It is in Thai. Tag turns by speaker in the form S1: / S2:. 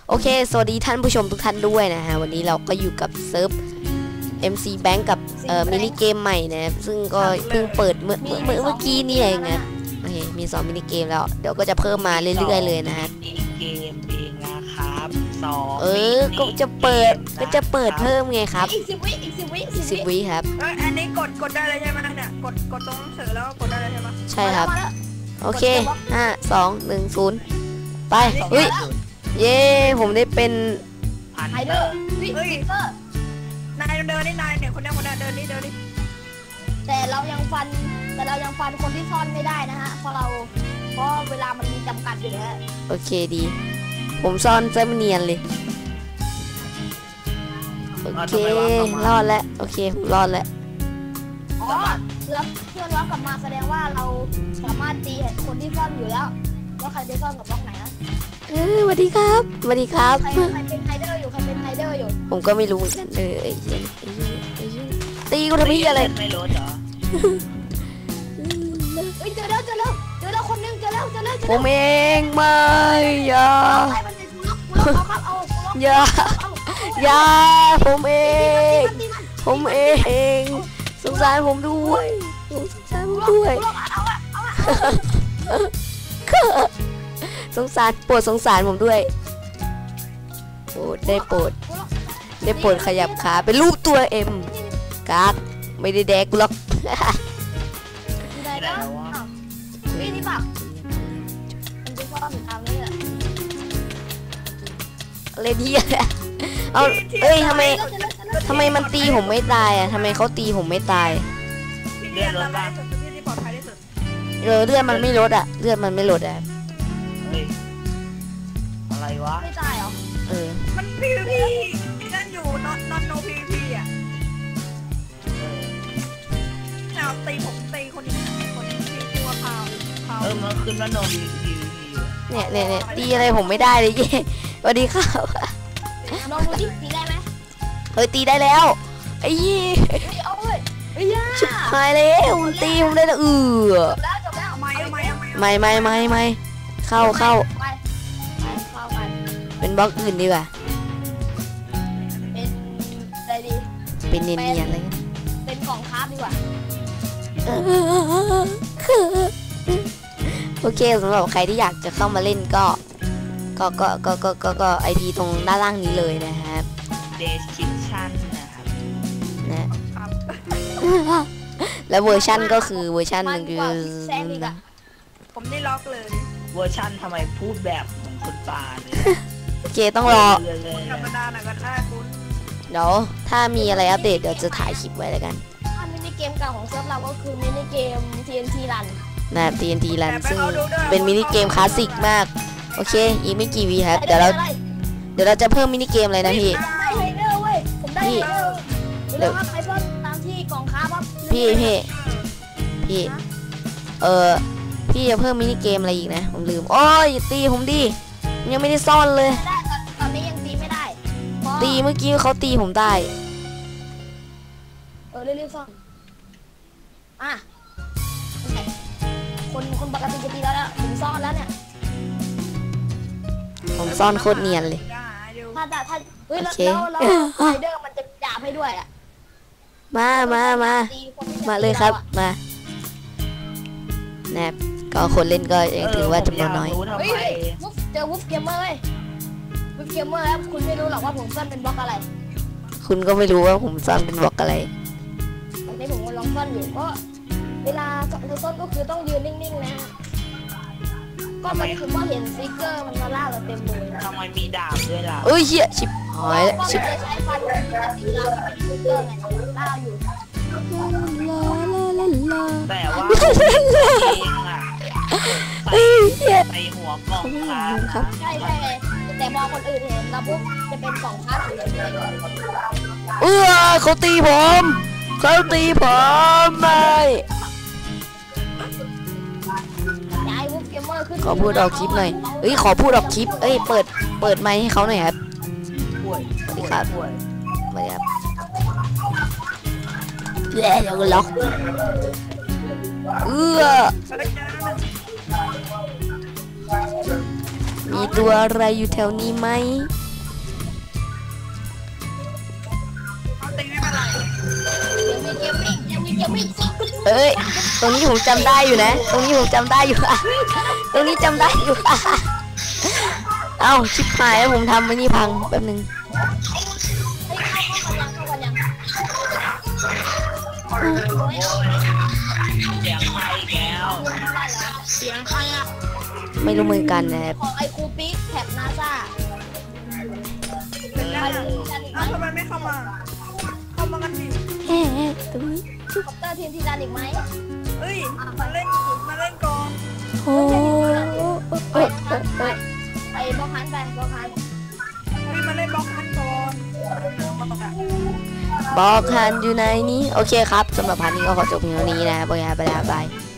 S1: โอเคสวัสดีท่านผู้ชมทุกท่านด้วยนะฮะวันนี้เราก็อยู่กับเซิร์ฟ MC Bank กับมินิเกมใหม่นะซึ่งก็เพิ่งเปิดเมื่อกี้นี่เองนะโอเคมี2มินิเกมแล้วเดี๋ยวก็จะเพิ่มมาเรื่อยๆเลยนะฮะ
S2: เกมเองนะครับ
S1: ก็จะเปิดเพิ่มไงครับ
S3: อีก10 วิ
S1: ครับ
S3: อันนี้กดได้เลยใช่ไหมเนี่ยกดตรงหนังสือแล้วกดได้เลยใช่ไหม
S1: ใช่ครับโอเค5 2 1 0ไปเฮ้ยเย้ผมได้เป็น
S3: ไฮเดอร์นายเดินนี่นายเนี่ยคนนี้เดินนี่แต่เรายังฟันคนที่ซ่อนไม่ได้นะฮะเพราะเวลามันมีจำกัดอยู่แล้ว
S1: โอเคดีผมซ่อนเส้นเนียนเลยโอเครอดแล้วโอเครอดแล้ว
S3: อ๋อแล้วเพื่อนว่ากลับมาแสดงว่าเราสามารถตีคนที่ซ่อนอยู่แล้วว่าใครไปซ่อนกับบล็อกไหนนะ
S1: สวัสดีครับใคร
S3: เป็นไฮเดอร์อยู่
S1: ผมก็ไม่รู้เหมือนกันตีกูทำไมอะไร
S2: ไม่รู้เหรอ
S3: เจอแล้วคนนึงเจอแล้ว
S1: ผมเองไม่อย่าผมเองสงสารผมด้วยสงสารผมด้วยโปรดได้โปรดขยับขาเป็นรูปตัวเอ็มกากไม่ได้แดกกูหรอก
S3: นี่ปะมันเป็นข้อถึงทางนี้แหละ
S1: เล่นเหี้ยเอาทำไมมันตีผมไม่ตายอ่ะทำไมเขาตีผมไม่ตาย
S2: เลือดลดบ้าง
S1: เลือดมันไม่ลดอ่ะเลือดมันไม่ลดอ่ะ
S2: อะไรวะ
S3: ไม่ตายเหรอ
S1: มัน
S3: PVP นั่นอยู่ not no PVP อ่ะตีผมตีคนที่ชื่อว่าพาว
S2: มันขึ้นว่า no PVP
S1: เนี่ยตีอะไรผมไม่ได้เลยเย้สวัสดีครับ
S3: ลองดูดิตีได้ไหม
S1: ตีได้แล้วไอ้ยี่ชิบหายแล้วตีผมได้แล้ว
S3: จบแล้ว
S1: ไม่เข้าเป็นบล็อกอื่นดีกว่า
S3: เป็นอะไรดี
S1: เป็นเนียนๆเลย
S3: เป็นของคราฟดีกว่า
S1: โอเคสำหรับใครที่อยากจะเข้ามาเล่นก็IP ตรงด้านล่างนี้เลยนะครับ
S2: description นะครับ
S1: นะแล้วเวอร์ชันก็คือเวอร์ชันหนึ่งคือ
S3: ผมได้ล็อกเลย
S2: เวอร์ชันทำไมพูดแบบเหมือนคนป่าเลย
S1: โอเคต้องรอ
S3: ธรรมดาหน่อยก็ได้คุณ
S1: เดี๋ยวถ้ามีอะไรอัปเดตเดี๋ยวจะถ่ายคลิปไว้แล้วกัน
S3: มินิเกมเก่าของเซิร์ฟเราก็คือมินิเกม TNT Run
S1: นะ TNT Run ซึ่งเป็นมินิเกมคลาสสิกมากโอเคอีกไม่กี่วีครับเดี๋ยวเราจะเพิ่มมินิเกมอะไรนะพี่
S3: เดี๋ยวไปซ่อนตามที่กล่องค้าปั๊บ
S1: พี่พี่จะเพิ่มมินิเกมอะไรอีกนะผมลืมโอ้ยตีผมดิยังไม่ได้ซ่อนเลย
S3: ตอนนี้ยังตีไม่ได้
S1: ตีเมื่อกี้เขาตีผมได้
S3: เรียกซ่อนคนปกติจะตีแล้วผมซ่อนแล้วเนี่ย
S1: ผมซ่อนโคตรเนียนเลย
S3: ถ้าแล้วไฮเดอร์มันจะจับให้ด้วยอ่ะ
S1: มาเลยครับมาแนบก็คนเล่นก็ยังถือว่าจำนวนน้อย
S3: เจอวูฟเกมเมอร์แล้วคุณไม่รู้หรอกว่าผมซ่อนเป็นบล็อกอะไร
S1: คุณก็ไม่รู้ว่าผมซ่อนเป็นบล็อกอะไร
S3: ตอนนี้ผมกำลังซ่อนอยู่ก็เวลาซ่อนก็คือต้องยืนนิ่งๆนะก็มันคือว่าเห็นซิกเกอร์มันมาล่าเราเต็มเลย
S2: ทำไมมีดาบด้วยล่ะ
S1: เหี้ยชิบหายแล้วชิบ
S3: ใช้ฟันตีเราเป็นซิกเกอร์ไงล่าอยู่
S2: แต่ว่าเองอ่ะใส่หัวกล่อง
S3: ครับใช่แต่มองคนอื่นเห็นแล้วปุ๊บจะเป็นกล่องคาด
S1: เขาตีผมไม่ขอพูดออกคลิปหน่อยขอพูดออกคลิปเปิดไมค์ให้เขาหน่อยครับสวัสดีครับเดี๋ยวก็ล็อกมีตัวอะไรอยู่แถวนี้ไหม
S2: เอาติงไม่เป็นไร
S3: ยังมีเกมมิ่ง
S1: เอ้ยตรงนี้ผมจำได้อยู่นะ ตรงนี้ผมจำได้อยู่ ตรงนี้จำได้อยู่ เอ้าชิบหายแล้วผมทำไว้นี่พังแป๊บนึง
S3: เข้ากันยัง
S2: เสียงใครอีกแล้วเสียงใครอ่ะ
S1: ไม่รู้เหมือนกันนะครับ
S3: ของไอคูปิกแท็บนาซา
S2: เป็นยังไง
S3: อ้าว
S2: ทำไมไม่เข้ามาเข้ามากันดิ
S1: แฮ่ตรงนี้
S3: คอปเตอร์ทีมทีรันอีกไหม
S2: เอ้ยมาเล่นก่อน
S1: โอ้
S3: ไปบล็อกฮันไปบล็อกฮัน
S2: เฮ้ยมาเล่นบล็อกคันก่อน
S1: บอกฮันอยู่ไหนนี้โอเคครับสำหรับพันนี้ก็ขอจบเพียงเท่านี้นะครับโอเคครับไปแล้วบาย